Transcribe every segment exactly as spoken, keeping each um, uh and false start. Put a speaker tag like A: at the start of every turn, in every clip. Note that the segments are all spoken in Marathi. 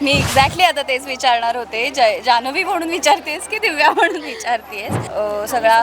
A: मी एक्झॅक्टली आता तेच विचारणार होते. जय जान्हवी म्हणून विचारतेस की दिव्या म्हणून विचारतेस? सगळा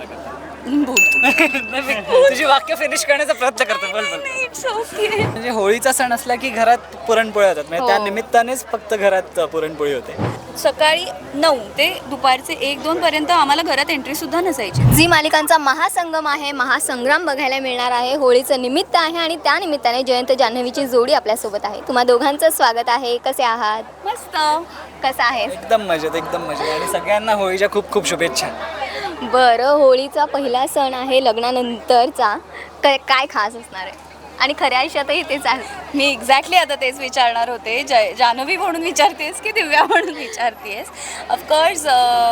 B: तुझी वाक्य फिनिश करण्याचा प्रयत्न करतो. बोल बोल.
A: It's okay.
B: म्हणजे होळीचा सण असला की घरात पुरणपोळी होतात, म्हणजे त्या निमित्तानेच फक्त घरात पुरणपोळी होते.
A: सकाळी नऊ ते दुपारचे एक दोन पर्यंत आम्हाला घरात एंट्री सुद्धा नसायची.
C: झी मालिकांचा महासंगम आहे, महासंग्राम बघायला मिळणार आहे. होळीचं निमित्त आहे आणि त्या निमित्ताने जयंत जान्हवीची जोडी आपल्यासोबत आहे. तुम्हा दोघांचं स्वागत आहे. कसे आहात?
A: मस्त.
C: कसं आहे?
B: एकदम मजेत एकदम मजेत आणि सगळ्यांना होळीच्या खूप खूप शुभेच्छा.
C: बरं, होळीचा पहिला सण आहे लग्नानंतरचा. काय काय खास असणार आहे? आणि खऱ्या आयुष्यातही तेच आहे.
A: मी एक्झॅक्टली आता तेच विचारणार होते. जय जान्हवी म्हणून विचारतेस की दिव्या म्हणून विचारतेस? ऑफकोर्स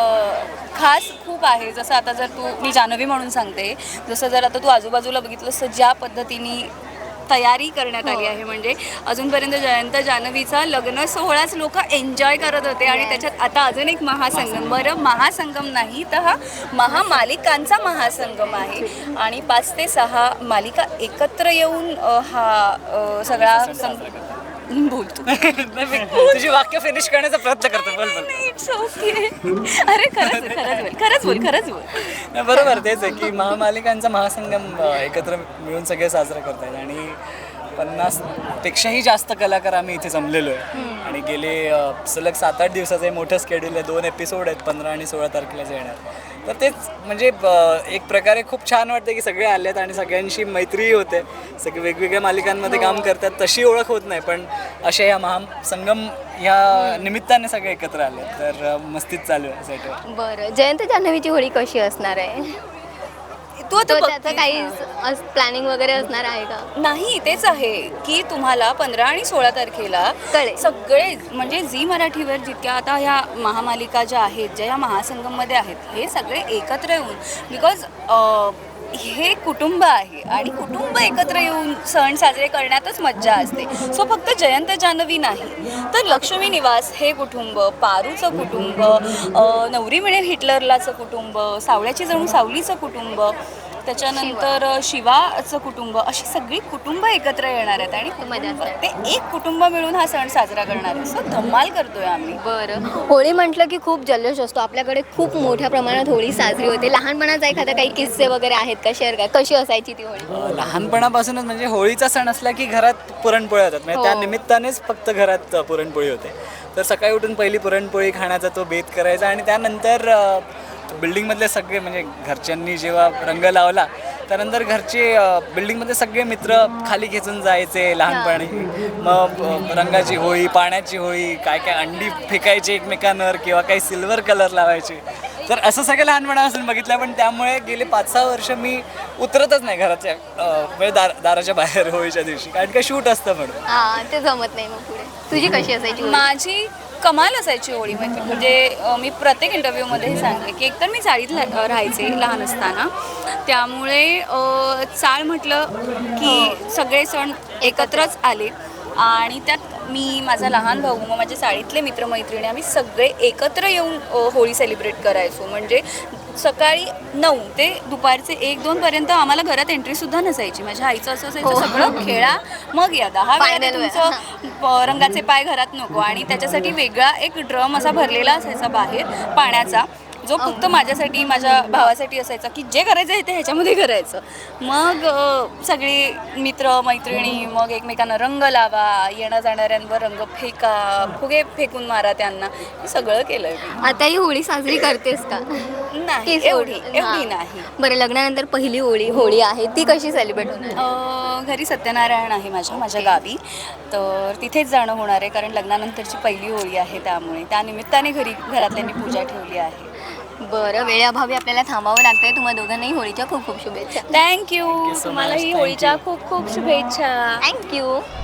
A: खास खूप आहे. जसं आता जर तू, मी जान्हवी म्हणून सांगते, जसं जर आता तू आजूबाजूला बघितलंस तर ज्या पद्धतीने तयारी करण्यात आली आहे, म्हणजे अजूनपर्यंत जयंत जान्हवीचा लग्न सोहळाच लोक एन्जॉय करत होते आणि त्याच्यात आता अजून एक महासंगम. बरं, महासंगम नाही तर हा महामालिकांचा महासंगम आहे आणि पाच ते सहा मालिका एकत्र येऊन हा सगळा बोलतो.
B: तुझी वाक्य फिनिश करण्याचा प्रयत्न करतो. बोल बोल.
A: It's okay. अरे खरंच खरंच बोल खरंच बोल खरंच बोल.
B: बरोबर, तेच आहे की महामालिकांचा महासंगम एकत्र मिळून सगळे साजरा करतात आणि पन्नास पेक्षाही जास्त कलाकार आम्ही इथे जमलेलो आहे आणि गेले सलग सात आठ दिवसाचं हे मोठं स्केड्यूल आहे. दोन एपिसोड आहेत, पंधरा आणि सोळा तारखेला येणार. तर तेच म्हणजे एक प्रकारे खूप छान वाटतं की सगळे आलेत आणि सगळ्यांशी मैत्रीही होते. सगळे वेगवेगळ्या मालिकांमध्ये काम करतात, तशी ओळख होत नाही, पण अशा या महासंगम या निमित्ताने सगळे एकत्र आले, तर मस्तीच चालू आहे सेटवर.
C: बरं, जयंत जान्हवीची होळी कशी असणार आहे?
A: तू आता
C: तो त्याचं
A: बघतीस
C: काही
A: ना.
C: प्लॅनिंग वगैरे असणार आहे का?
A: नाही, तेच आहे की तुम्हाला पंधरा आणि सोळा तारखेला
C: कळेल.
A: सगळे म्हणजे झी मराठीवर जितक्या आता ह्या महामालिका ज्या आहेत, ज्या ह्या महासंगममध्ये आहेत, हे सगळे एकत्र येऊन, बिकॉज हे कुटुंब आहे आणि कुटुंब एकत्र येऊन सण साजरे करण्यातच मज्जा असते. सो फक्त जयंत जान्हवी नाही तर लक्ष्मी निवास हे कुटुंब, पारूचं कुटुंब, नवरी मिळेल हिटलरलाचं कुटुंब, सावळ्याची जणू सावलीचं कुटुंब, त्याच्यानंतर शिवाचं कुटुंब, अशी सगळी कुटुंब एकत्र येणार आहेत आणि कुटुंब ते एक कुटुंब मिळून हा सण साजरा करणार आहे. सो धमाल करतोय आम्ही.
C: बरं, होळी म्हटलं की खूप जल्लोष असतो. आपल्याकडे खूप मोठ्या प्रमाणात होळी साजरी होते. लहानपणाचा एखादा काही किस्से वगैरे आहेत का शेअर काय? कशी असायची ती होळी?
B: लहानपणापासूनच म्हणजे होळीचा सण असला की घरात पुरणपोळी होतात, म्हणजे त्या निमित्तानेच फक्त घरात पुरणपोळी होते. तर सकाळी उठून पहिली पुरणपोळी खाण्याचा तो बेत करायचा आणि त्यानंतर बिल्डिंगमधले सगळे म्हणजे घरच्यांनी जेव्हा रंग लावला त्यानंतर घरचे बिल्डिंगमध्ये सगळे मित्र खाली खेचून जायचे लहानपणी. मग रंगाची होळी, पाण्याची होळी, काय काय अंडी फेकायची एकमेकांवर किंवा काही सिल्वर कलर लावायचे. तर असं सगळं लहानपणापासून बघितलं, पण त्यामुळे गेले पाच सहा वर्ष मी उतरतच नाही घराच्या म्हणजे दार दाराच्या बाहेर होळीच्या दिवशी, कारण का शूट असतं म्हणून.
C: हां, ते जमत नाही. मग पुढे तुझी कशी असायची होळी?
A: माझी कमाल असायची होळी. म्हणजे म्हणजे मी प्रत्येक इंटरव्ह्यूमध्ये हे सांगते की एकतर मी चाळीत राहायचे लहान असताना, त्यामुळे चाळ म्हटलं की सगळे सण एकत्रच आले आणि त्यात मी, माझा लहान भाऊ, मग माझे चाळीतले मित्रमैत्रिणी, आम्ही सगळे एकत्र येऊन होळी सेलिब्रेट करायचो. म्हणजे सकाळी नऊ ते दुपारचे एक दोन पर्यंत आम्हाला घरात एंट्री सुद्धा नसायची. माझ्या आईचं असं असायचं, सगळं खेळा मग या, दहा वेळा तुमचं रंगाचे पाय घरात नको. आणि त्याच्यासाठी वेगळा एक ड्रम असा भरलेला असायचा बाहेर पाण्याचा, जो फक्त माझ्यासाठी, माझ्या भावासाठी असायचा, की जे करायचं आहे ते ह्याच्यामध्ये करायचं. मग सगळे मित्र मैत्रिणी मग एकमेकांना रंग लावा, येणं जाणाऱ्यांवर रंग फेका, फुगे फेकून मारा त्यांना, हे सगळं केलं मी.
C: आता ही होळी साजरी करतेस का?
A: नाही, एवढी एवढी नाही.
C: बरं, लग्नानंतर पहिली होळी होळी आहे ती कशी सेलिब्रेट होणार?
A: घरी सत्यनारायण आहे माझ्या माझ्या गावी, तर तिथेच जाणं होणार आहे, कारण लग्नानंतरची पहिली होळी आहे, त्यामुळे त्यानिमित्ताने घरी घरातल्यांनी पूजा ठेवली आहे.
C: बरं, वेळेअभावी आपल्याला थांबावं लागतंय. तुम्हा दोघांनाही होळीच्या खूप खूप शुभेच्छा.
A: थँक्यू. तुम्हालाही होळीच्या खूप खूप शुभेच्छा.
C: थँक्यू.